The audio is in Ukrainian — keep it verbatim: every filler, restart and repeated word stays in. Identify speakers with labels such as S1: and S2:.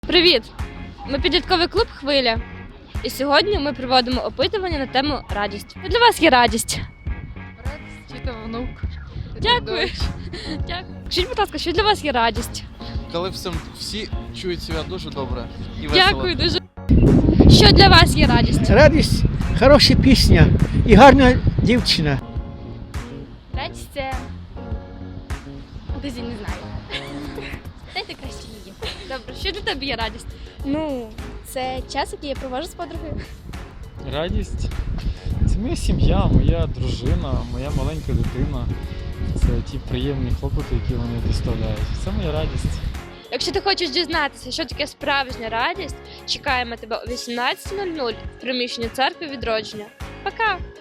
S1: Привіт! Ми підлітковий клуб «Хвиля». І сьогодні ми проводимо опитування на тему радість. Що для вас є радість?
S2: Радість, тіта, внук.
S1: Дякую. Дякую. Скажіть, будь ласка, що для вас є радість?
S3: Коли всім, всі чують себе дуже добре і весело.
S1: Дякую дуже. Що для вас є радість?
S4: Радість, хороша пісня і гарна дівчина.
S1: Радість це... Дезі, не знаю. Дайте краще її. Добре, що для тебе є радість?
S5: Ну, це час, який я проводжу з подругою.
S6: Радість це моя сім'я, моя дружина, моя маленька дитина. Це ті приємні хлопоти, які вони доставляють. Це моя радість.
S1: Якщо ти хочеш дізнатися, що таке справжня радість, чекаємо тебе о вісімнадцятій нуль нуль в приміщенні церкви Відродження. Пока!